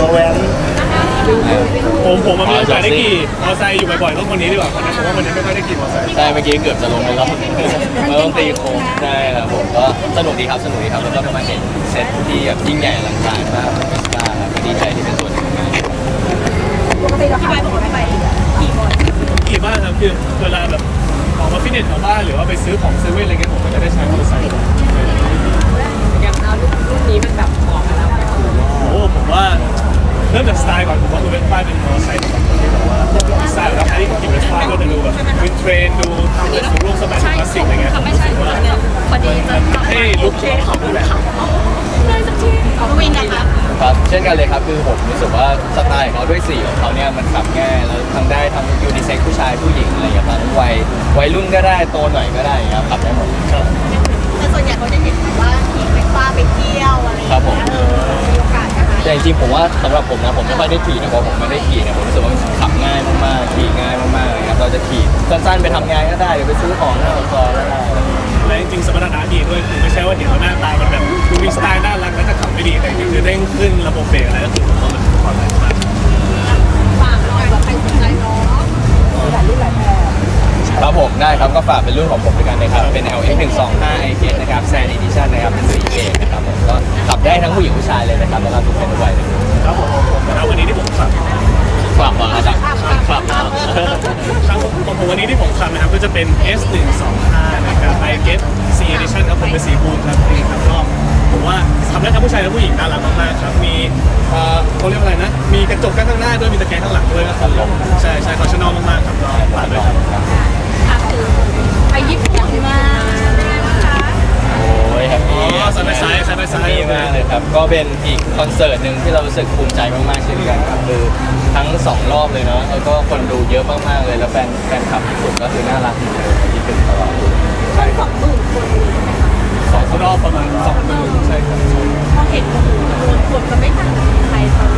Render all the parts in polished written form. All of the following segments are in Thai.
ตัวแว้นผมมีโอกาสได้ขี่มอเตอร์ไซค์อยู่บ่อยๆต้องคนนี้ดีกว่าคนนั้นผมว่าคนนี้ไม่ค่อยได้ขี่มอเตอร์ไซค์ใช่เมื่อกี้เกือบจะลงไปแล้วมันต้องตีโค้งใช่ครับผมก็สนุกดีครับแล้วก็มาเห็นเซตที่แบบยิ่งใหญ่อลังการมากของเมสกาครับก็ดีใจที่เป็นส่วนหนึ่งของงานปกติเราขับบอกว่าไปขี่บ่อยขี่บ้างครับคือเวลาแบบออกมาฟิตเนสแถวบ้านหรือว่าไปซื้อของเซเว่นอะไรเงี้ยผมก็จะได้ใช้มอเตอร์ไซค์อย่างเรารุ่นนี้มันแบบเหมาะกับเราโอ้ผมว่าเริ่มจากสไตล์ก่อนผมว่าคือเวสป้าเป็นมอเตอร์ไซค์แบบที่แบบว่าสไตล์แบบที่ขี่เวสป้าก็จะดูแบบวินเทรนดูทำแบบรูปสมัยคลาสสิกอะไรเงี้ยไม่ใช่พอดีจะให้ลุคของแบบเลยสักทีเขาวิ่งกันค่ะครับเช่นกันเลยครับคือผมรู้สึกว่าสไตล์ของเขาด้วยสีของเขาเนี่ยมันขับง่ายแล้วทำได้ทั้งยูนิเซ็กผู้ชายผู้หญิงอะไรอย่างเงี้ยทั้งวัยรุ่นก็ได้โตหน่อยก็ได้ครับขับได้หมดแต่ส่วนใหญ่เขาจะเห็นว่าขี่เวสป้าไปเที่ยวอะไรอย่างเงี้ยมีโอกาสนะคะแต่จริงๆผมว่าสำหรับผมนะผมไม่ค่อยได้ขี่นะเพราะผมไม่ได้ขี่เนี่ยผมรู้สึกว่าขับง่ายมากๆขี่ง่ายมากๆเลยครับเราจะขี่สั้นๆไปทำงานก็ได้หรือไปซื้อของหน้าปากซอยก็ได้และจริงๆสมรรถนะดีด้วยคือไม่ใช่ว่าเห็นว่าหน้าตามันแบบดูมีสไตล์น่ารักแล้วจะขับไม่ดีแต่จริงๆคือเด้งขึ้นระบบเบรกอะไรก็คือผมว่ามันปลอดภัยมากฝากหน่อยว่าใครสนใจเนาะหลายรุ่นหลายแบบครับผมได้ครับก็ฝากเป็นรุ่นของผมด้วยกันนะครับเป็น LX 125 IS นะครับแซนดิชั่นนะครับเป็นสีเกนะครับผมก็ขับได้ทั้งผู้หญิงผู้ชายเลยนะครับแล้วก็ทุกเพศทุกวัยเลยครับผมแล้ววันนี้ที่ผมขับมาครับครับของผมวันนี้ที่ผมขับนะครับก็จะเป็น S125 นะครับ IS C Edition ครับผมเป็นสีบูนครับนี่ครับก็ผมว่าขับได้ทั้งผู้ชายและผู้หญิงน่ารักมากๆครับมีเขาเรียกว่าอะไรนะมีกระจกข้างหน้าด้วยมีตะแกรงข้างหลังด้วยก็ใช่ฟังชั่นอลมากๆครับก็ฝากด้วยครับไปญี่ปุ่นมาเป็นไงบ้างคะโอ้ยแฮปปี้ไซด์ไซด์มากเลยครับก็เป็นอีกคอนเสิร์ตหนึ่งที่เรารู้สึกภูมิใจมากๆเช่นกันครับคือทั้ง2รอบเลยเนาะแล้วก็คนดูเยอะมากๆเลยแล้วแฟนคลับญี่ปุ่นก็คือน่ารักเหมือนเดิมที่เป็นตลอดใช่20,000 คน 2 รอบประมาณ20,000ใช่ครับพอเห็นคนก็ไม่ต่างจากไทยเขา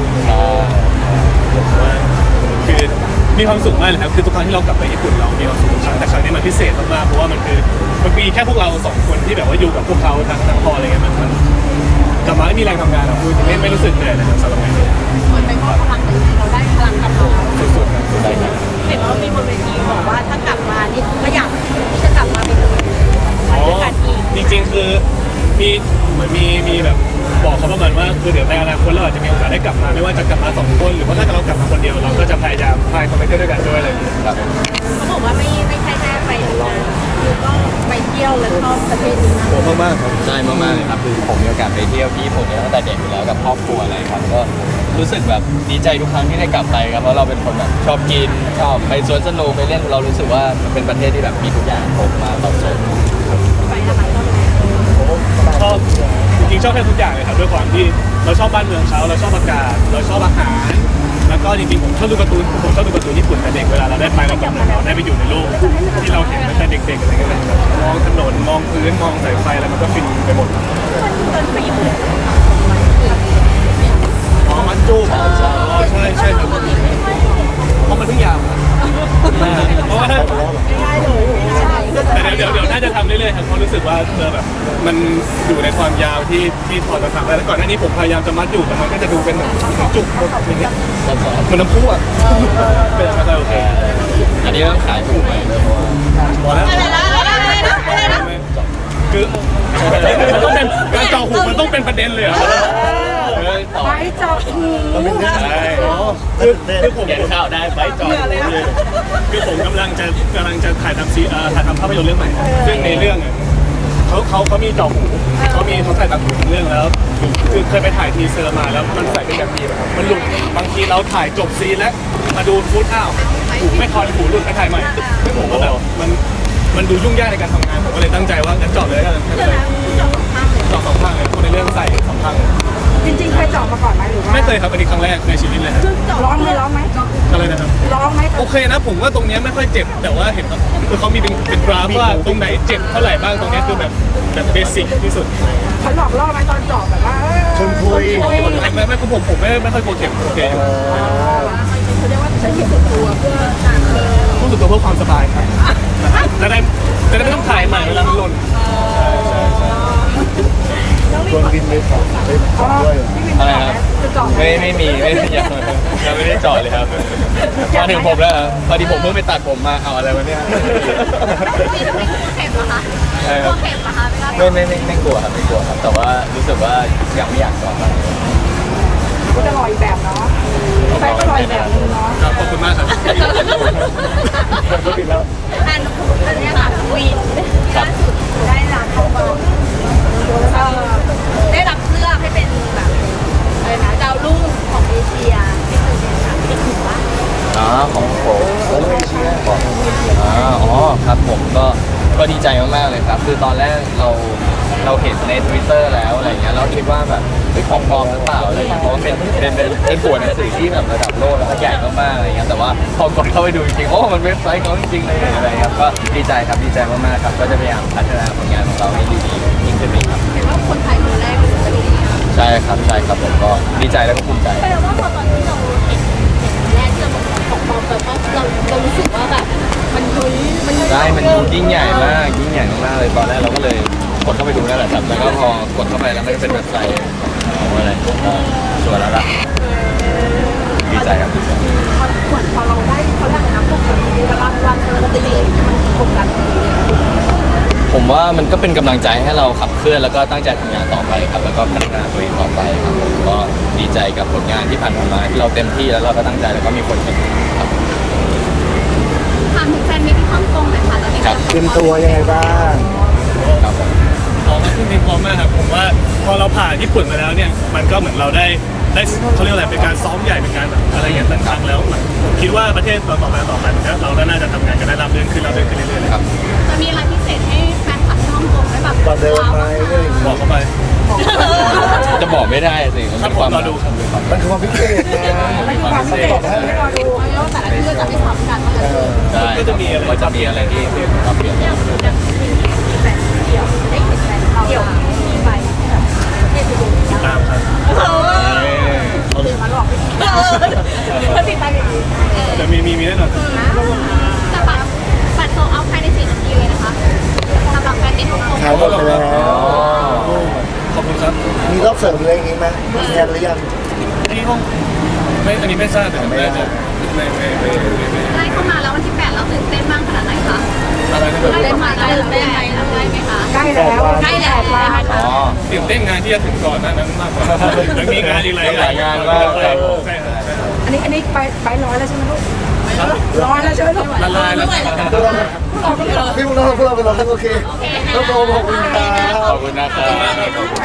คือมีความสุขมากเลยครับคือทุกครั้งที่เรากลับไปญี่ปุ่นเรามีความสุขทุกครั้งแต่ครั้งนี้มันพิเศษมากๆเพราะว่ามันมีแค่พวกเรา2 คนที่แบบว่าอยู่กับพวกเขาทั้งพออะไรเงี้ยมันกลับมาไม่มีแรงทำงานเราคือไม่รู้สึกเหนื่อยเลยสำหรับงานนี้เหมือนเป็นเพราะพลังเราได้พลังกลับมาสุดๆครับได้ครับเห็นว่ามีบนเวทีบอกว่าถ้ากลับมานี่ก็อยากจะกลับมาเป็นไปด้วยกันอีกจริงๆคือเหมือนมีแบบบอกเขาประมาณว่าคือเดี๋ยวในอนาคตเราอาจจะมีโอกาสได้กลับมาไม่ว่าจะกลับมา2 คนหรือว่าถ้าเรากลับมาคนเดียวเราก็จะพยายามพาเขาไปเที่ยวด้วยกันด้วยอะไรอย่างเงี้ยครับเขาบอกว่าไม่ใช่แค่ไปทำงานคือก็ไปเที่ยวและชอบประเทศนี้มากโอ้มากๆครับใช่มากๆเลยครับคือผมมีโอกาสไปเที่ยวที่ญี่ปุ่นตั้งแต่เด็กอยู่แล้วกับครอบครัวอะไรครับก็รู้สึกแบบดีใจทุกครั้งที่ได้กลับไปครับเพราะเราเป็นคนแบบชอบกินชอบไปสวนสนุกไปเล่นเรารู้สึกว่ามันเป็นประเทศที่แบบมีทุกอย่างครบมาตอบโจทย์ไปนะคะชอบจริงๆชอบแค่ทุกอย่างเลยครับด้วยความที่เราชอบบ้านเมืองเขาเราชอบอากาศเราชอบอาหารแล้วก็จริงๆผมชอบดูการ์ตูนญี่ปุ่นแต่เด็กเวลาเราได้ไปเราแบบเราได้ไปอยู่ในโลกที่เราเห็นตั้งแต่เด็กๆอะไรเงี้ยมองถนนมองพื้นมองสายไฟอะไรมันก็ฟินไปหมดตอนไปญี่ปุ่นมันจูบใช่ครับเพราะมันเพิ่งยาวเพราะว่าแต่เดี๋ยวน่าจะทำเรื่อยๆครับเพราะรู้สึกว่าแบบมันอยู่ในความยาวที่พอจะทำได้แล้วก่อนหน้านี้ผมพยายามจะมัดอยู่แต่มันก็จะดูเป็นแบบจุกอย่างเงี้ยเหมือนน้ำพุอ่ะเป็นอะไรโอเคอันนี้ต้องขายถูกไหมพอแล้วคือมันต้องเป็นการเจาะหูมันต้องเป็นประเด็นเลยอ่ะไปเจาะหูใช่คือผมเขียนข่าวได้ไปเจาะคือผมกำลังจะถ่ายทำภาพยนตร์เรื่องใหม่ซึ่งในเรื่องเขามีเจาะหูเขาใส่ต่างหูเรื่องแล้วคือเคยไปถ่ายทีเซอร์มาแล้วมันใส่เป็นแบบนี้มันหลุดบางทีเราถ่ายจบซีนแล้วมาดูฟุตอ้าวหูไม่คอนหูหลุดไปถ่ายใหม่ซึ่งผมก็แบบมันดูยุ่งยากในการทำงานผมก็เลยตั้งใจว่างั้นเจาะเลยกันเจาะ2 ข้างเลยคนในเรื่องใส่2 ข้างจริงๆเคยเจาะมาก่อนไหมหรือว่าไม่เคยครับอันนี้ครั้งแรกในชีวิตเลยครับร้องไหมอะไรนะครับร้องไหมโอเคนะผมว่าตรงนี้ไม่ค่อยเจ็บแต่ว่าเห็นคือเขามีเป็นกราฟว่าตรงไหนเจ็บเท่าไหร่บ้างตรงนี้คือแบบเบสิกที่สุดเขาหลอกล่อไหมตอนเจาะแบบว่าชนคุยไม่ผมไม่ค่อยกลัวเข็มโอเคอยู่เขาเรียกว่าใช้เข็มส่วนตัวเพื่อการรู้สึกตัวเพื่อความสบายครับจะได้ไม่ต้องถ่ายใหม่เวลามันหล่นชวนกินไปของด้วยอะไรครับเจาะไม่มียังไม่ได้เจาะเลยครับมาถึงผมแล้วพอดีผมเพิ่งไปตัดผมมาเอาอะไรวะเนี่ยเข็มเหรอคะตัวเข็มเหรอคะไม่กลัวครับไม่กลัวครับ แต่ว่ารู้สึกว่ายังไม่อยากเจาะก็จะรออีกแบบเนาะแฟนก็รออีกแบบนึงเนาะครับขอบคุณมากครับอันนี้ค่ะวีนล่าสุดได้รับได้รับเลือกให้เป็นแบบอะไรนะดาวรุ่งของเอเชียที่เป็นค่ะที่ถือว่าของผมอ๋อครับผมก็ดีใจมากๆเลยครับ คือตอนแรกเราเห็นใน Twitter แล้วอะไรเงี้ยเราคิดว่าแบบของปลอมหรือเปล่าอะไรเงี้ยเพราะว่าเป็นตัวหนังสือที่แบบระดับโลกแล้วก็ใหญ่มากๆอะไรเงี้ยแต่ว่าพอกดเข้าไปดูจริงๆโอ้มันเว็บไซต์เขาจริงๆเลยอะไรครับก็ดีใจครับดีใจมากๆครับก็จะพยายามพัฒนาผลงานของเราให้ดียิ่งขึ้นไปครับเห็นว่าคนไทยคนแรกเลยจะดีใช่ครับผมก็ดีใจแล้วก็ภูมิใจแปลว่าพอตอนที่เราเห็นแรกที่เราบอกของปลอมแปลว่าเรารู้สึกว่าแบบมันลุ้นมันดูยิ่งใหญ่มากเลยตอนแรกเราก็เลยกดเข้าไปดูนั่นแหละครับแล้วก็พอกดเข้าไปแล้วมันก็เป็นเว็บไซต์ของอะไรก็สวยแล้วล่ะดีใจครับพอเราได้เขาเรียกอะไรนะพวกแบบนี้รางวัลการันตีมันกดดันดีผมว่ามันก็เป็นกำลังใจให้เราขับเคลื่อนแล้วก็ตั้งใจทำงานต่อไปครับแล้วก็พัฒนาตัวเองต่อไปครับผมก็ดีใจกับผลงานที่ผ่านมาที่เราเต็มที่แล้วเราก็ตั้งใจแล้วก็มีคนเห็นครับถามถึงแฟนมิตรที่ฮ่องกงหน่อยค่ะตอนนี้เตรียมตัวยังไงบ้างครับผมพร้อมมากที่พร้อมมากครับผมว่าพอเราผ่านญี่ปุ่นมาแล้วเนี่ยมันก็เหมือนเราได้เขาเรียกอะไรเป็นการซ้อมใหญ่เป็นการแบบอะไรอย่างต่างๆแล้วผมคิดว่าประเทศต่อไปเราก็น่าจะทำงานกันได้ราบรื่นขึ้นเรื่อยๆครับจะมีอะไรพิเศษให้แฟนคลับที่ฮ่องกงได้แบบตอนเดินไหมเรื่องบอกเข้าไปจะบอกไม่ได้สิมันถ้าเป็นผความมรอดูครับมันคือความพิเศษนะเป็นความพิเศษบอกให้ไม่รอดูแล้วแต่ละที่ก็จะไม่ซ้ำกันว่าจะได้ก็จะมีอะไรที่ปรับเปลี่ยนอย่างมีแฟนเดี่ยวได้เห็นแฟนเราเดี่ยวมีไปแบบเท่ไปดูตามครับเขาตื่นมาหลอกเขาติดตามอย่างนี้จะมีแน่นอนแต่บัตรโซเอาภายใน4 นาทีเลยนะคะสำหรับแฟนมิตรฮ่องกงขายหมดไปแล้วขอบคุณครับมีรอบเสริมอะไรอย่างงี้ไหมมีงานหรือยังที่ห้องไม่อันนี้ไม่ทราบแต่น่าจะไม่ใกล้เข้ามาแล้ววันที่8เราตื่นเต้นบ้างขนาดไหนคะอะไรนะตื่นเต้นมาตื่นเต้นไหมได้ไหมคะใกล้แล้วใกล้แล้วอ๋อตื่นเต้นงานที่จะถึงก่อนนั้นมากกว่ายังมีงานอีกหลายงานมากใช่ครับอันนี้ไปร้อยแล้วใช่ไหมลูกร้อยแล้วใช่ไหมลูกละลายแล้วพี่พวกเราไปรอกันโอเคโอเคต้องโตขอบคุณครับขอบคุณนะครับ